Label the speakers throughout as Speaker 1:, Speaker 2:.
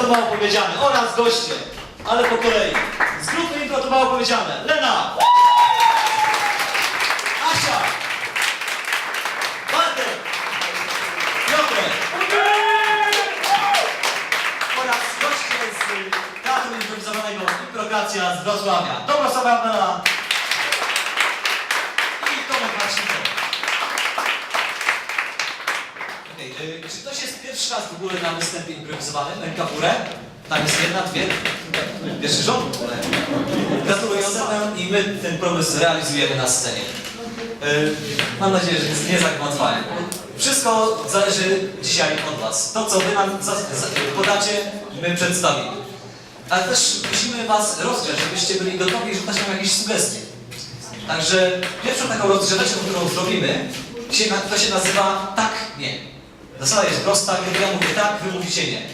Speaker 1: to mało powiedziane oraz goście, ale po kolei. Z grupy Impro to mało powiedziane. Lena! Asia! Bartek! Piotrek! Oraz goście z Teatru Improwizowanego Improkracja z Wrocławia. Dobrosława Bela i Tomek Marcinko. Czy ktoś jest pierwszy raz w ogóle na występie improwizowanym? Ręka w górę? Tam jest jedna, dwie. Pierwszy rząd. Gratulujące i my ten pomysł realizujemy na scenie. Mam nadzieję, że jest niezagmatwane. Wszystko zależy dzisiaj od was. To, co wy nam podacie, my przedstawimy. Ale też musimy was rozgrzać, żebyście byli gotowi i rzucać nam jakieś sugestie. Także pierwszą taką rozgrzeweczką, którą zrobimy, to się nazywa tak, nie. Zasada jest prosta, kiedy ja mówię tak, wy mówicie nie.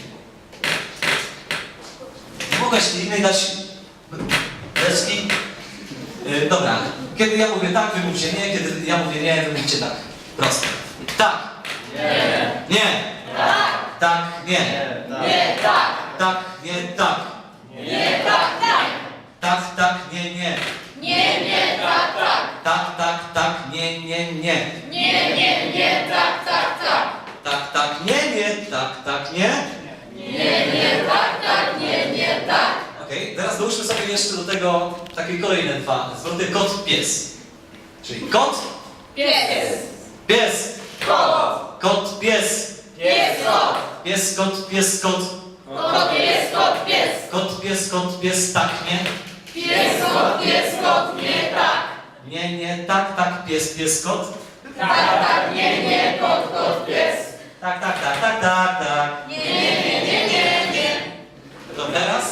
Speaker 1: Nie mogę innej dać deski. Dobra, kiedy ja mówię tak, wy mówicie nie, kiedy ja mówię nie, wy mówicie tak. Proste. Tak. Nie. Nie. Tak. Tak, nie.
Speaker 2: Nie, tak.
Speaker 1: Tak, nie, tak.
Speaker 2: Nie, tak, tak.
Speaker 1: Tak, tak, nie, nie.
Speaker 2: Nie, nie, tak, tak.
Speaker 1: Tak, tak, tak, nie, nie, nie.
Speaker 2: Nie, nie, nie, tak, tak, tak.
Speaker 1: Tak, tak, nie, nie, tak, tak, nie.
Speaker 2: Nie, nie, tak, tak, nie, nie, tak.
Speaker 1: Okej, teraz dołóżmy sobie jeszcze do tego takie kolejne dwa zwroty kot, pies. Czyli kot,
Speaker 2: Pies.
Speaker 1: pies,
Speaker 2: Kot.
Speaker 1: kot, pies,
Speaker 2: Pies, kot.
Speaker 1: pies, kot, pies, kot,
Speaker 2: Kot, pies, kot, pies.
Speaker 1: kot, pies, kot, pies, tak, nie.
Speaker 2: Pies, kot, nie, tak.
Speaker 1: Nie, nie, tak, tak, pies, pies, kot.
Speaker 2: Tak, tak, nie, kot, pies.
Speaker 1: Tak, tak, tak, tak, tak, tak.
Speaker 2: Nie, nie, nie, nie, nie.
Speaker 1: To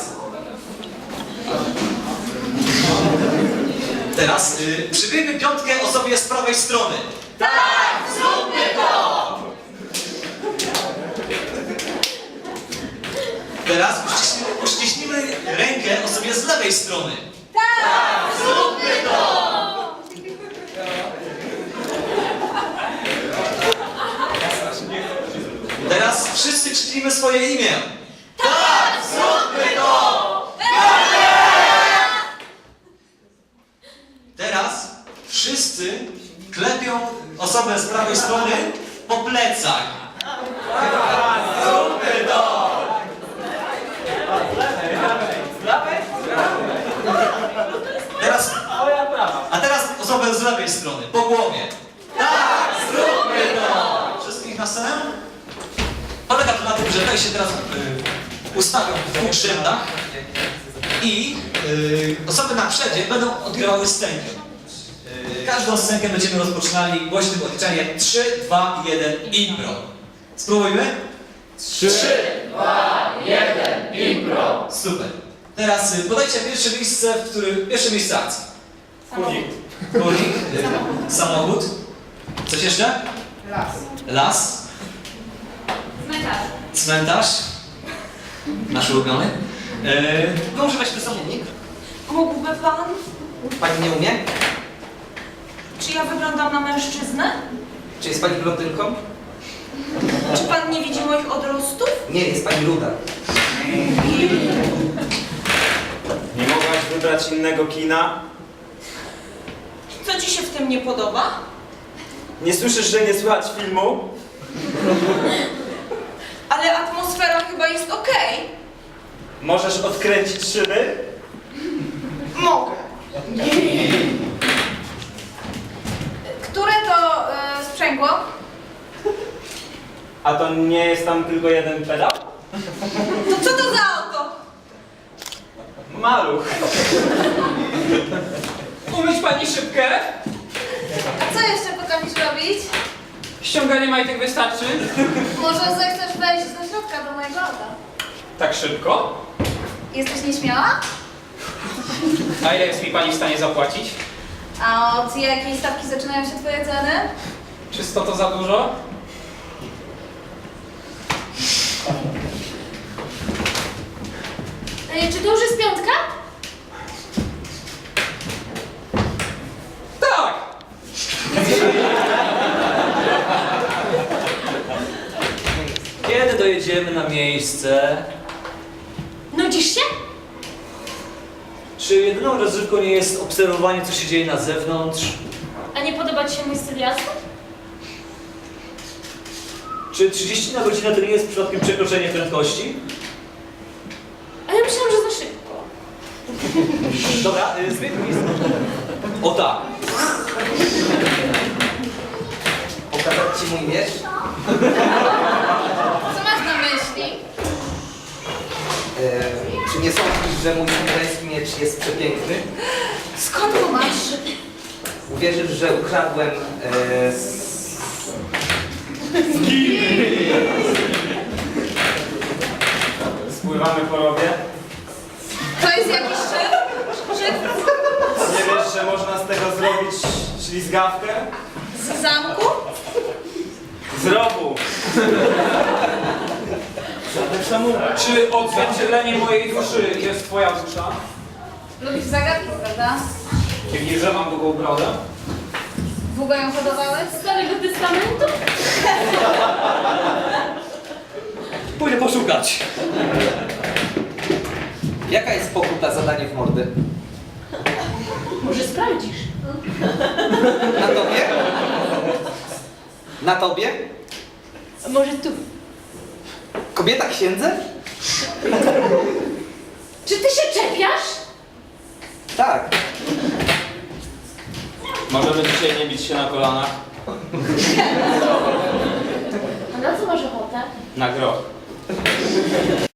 Speaker 1: teraz przybijmy piątkę osobie z prawej strony.
Speaker 2: Tak, zróbmy to.
Speaker 1: Teraz uściśnijmy rękę osobie z lewej strony.
Speaker 2: Tak, zróbmy to.
Speaker 1: Teraz wszyscy krzyknijmy swoje imię.
Speaker 2: Tak, zróbmy to.
Speaker 1: Teraz wszyscy klepią osobę z prawej strony po plecach. Zróbmy to! Teraz osobę z lewej strony, po głowie. Tak, zróbmy to! Wszystkich na scenę? Polega to na tym, że tutaj się teraz ustawią w dwóch rzędach i osoby na przodzie będą odgrywały scenkę. Każdą scenkę będziemy rozpoczynali głośnym odliczeniem 3, 2, 1, impro. Spróbujmy?
Speaker 3: 3,
Speaker 2: 2, 1, impro.
Speaker 1: Super. Teraz podajcie pierwsze miejsce akcji.
Speaker 3: Kurnik.
Speaker 1: Kurnik, samochód. Coś jeszcze?
Speaker 4: Las.
Speaker 1: Las,
Speaker 2: Cmentarz.
Speaker 1: cmentarz. Nasz ulubiony. Może weźmy samochód.
Speaker 4: Mógłby pan?
Speaker 5: Pani nie umie?
Speaker 4: Czy ja wyglądam na mężczyznę?
Speaker 5: Czy jest pani blondynką?
Speaker 4: Czy pan nie widzi moich odrostów?
Speaker 5: Nie, jest pani ruda.
Speaker 3: Nie mogłaś wybrać innego kina?
Speaker 4: Co ci się w tym nie podoba?
Speaker 3: Nie słyszysz, że nie słychać filmu?
Speaker 4: Ale atmosfera chyba jest okej.
Speaker 3: Możesz odkręcić szyby?
Speaker 4: Mogę. Które to sprzęgło?
Speaker 3: A to nie jest tam tylko jeden pedał?
Speaker 4: To co to za auto?
Speaker 3: Maluch.
Speaker 6: Umyć pani szybkę?
Speaker 7: A co jeszcze potrafisz robić?
Speaker 6: Ściąganie majtek wystarczy?
Speaker 7: Może zechcesz wejść do środka do mojego auta?
Speaker 6: Tak szybko?
Speaker 7: Jesteś nieśmiała?
Speaker 6: A ile jest mi pani w stanie zapłacić?
Speaker 7: A od jakiej stawki zaczynają się twoje ceny?
Speaker 6: Czy 100 to za dużo?
Speaker 7: Czy to już jest piątka?
Speaker 6: Tak!
Speaker 1: Kiedy dojedziemy na miejsce,
Speaker 2: się?
Speaker 1: Czy jedyną rozrywką nie jest obserwowanie, co się dzieje na zewnątrz?
Speaker 2: A nie podoba ci się mój styl jazdy?
Speaker 1: Czy 30 na godzinę to nie jest przypadkiem przekroczenie prędkości?
Speaker 2: A ja myślałam, że za szybko.
Speaker 1: Dobra, zmieńmy miejsce. O tak.
Speaker 5: Pokazać ci mój miecz?
Speaker 7: Co masz na myśli?
Speaker 5: Czy nie sądzisz, że mój męski miecz jest przepiękny?
Speaker 7: Skąd go masz?
Speaker 5: Uwierzysz, że ukradłem
Speaker 3: Spływamy po rowie.
Speaker 7: To jest jakiś szef? Szef
Speaker 3: Nie wiesz, że można z tego zrobić ślizgawkę?
Speaker 7: z zamku?
Speaker 3: Z rowu.
Speaker 6: Czy odzwierciedlenie mojej duszy jest twoja dusza?
Speaker 7: Lubisz zagadki, prawda?
Speaker 6: Widzisz, że mam długą brodę?
Speaker 7: Długo ją hodowałeś?
Speaker 2: Starego testamentu?
Speaker 1: Pójdę poszukać.
Speaker 5: Jaka jest pokuta za danie w mordy?
Speaker 2: Może sprawdzisz?
Speaker 5: Na tobie? Na tobie?
Speaker 2: A może tu?
Speaker 5: Kobieta księdze?
Speaker 2: Czy ty się czepiasz?
Speaker 5: Tak.
Speaker 3: Możemy dzisiaj nie bić się na kolanach.
Speaker 2: A na co masz ochotę?
Speaker 3: Na groch.